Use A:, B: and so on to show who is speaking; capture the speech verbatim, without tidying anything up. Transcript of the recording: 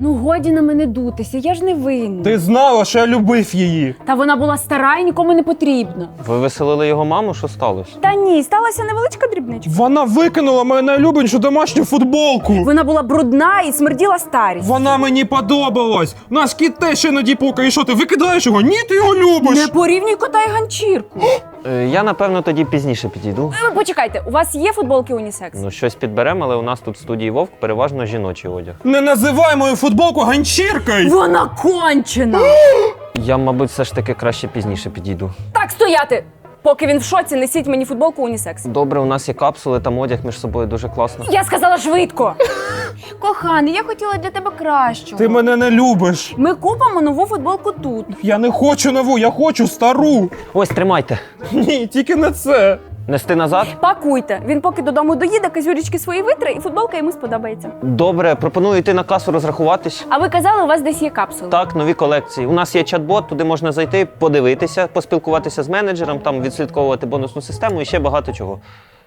A: Ну годі на мене дутися, я ж не винна.
B: Ти знала, що я любив її.
A: Та вона була стара і нікому не потрібна.
C: Ви веселили його маму? Що сталося?
A: Та ні, сталася невеличка дрібничка.
B: Вона викинула мою найулюбленішу домашню футболку.
A: Вона була брудна і смерділа старість.
B: Вона мені подобалась. Наш кіт теж іноді пукає. І що, ти викидаєш його? Ні, ти його любиш.
A: Не порівнюй кота і ганчірку.
C: Е, я, напевно, тоді пізніше підійду.
A: Ви почекайте, у вас є футболки унісекс?
C: Ну, щось підберемо, але у нас тут в студії Вовк переважно жіночий одяг.
B: Не називай мою футболку ганчіркою.
A: Вона кончена!
C: Я, мабуть, все ж таки краще пізніше підійду.
A: Так, стояти! Поки він в шоці, несіть мені футболку унісекс.
C: Добре, у нас є капсули, там одяг між собою дуже класно.
A: Я сказала швидко! Коханий, я хотіла для тебе кращого.
B: Ти мене не любиш.
A: Ми купимо нову футболку тут.
B: Я не хочу нову, я хочу стару.
C: Ось, тримайте.
B: Ні, тільки не це.
C: Нести назад?
A: Пакуйте. Він поки додому доїде, казюрічки свої витре, і футболка йому сподобається.
C: Добре, пропоную йти на касу розрахуватись.
A: А ви казали, у вас десь є капсули?
C: Так, нові колекції. У нас є чат-бот, туди можна зайти, подивитися, поспілкуватися з менеджером, там відслідковувати бонусну систему і ще багато чого.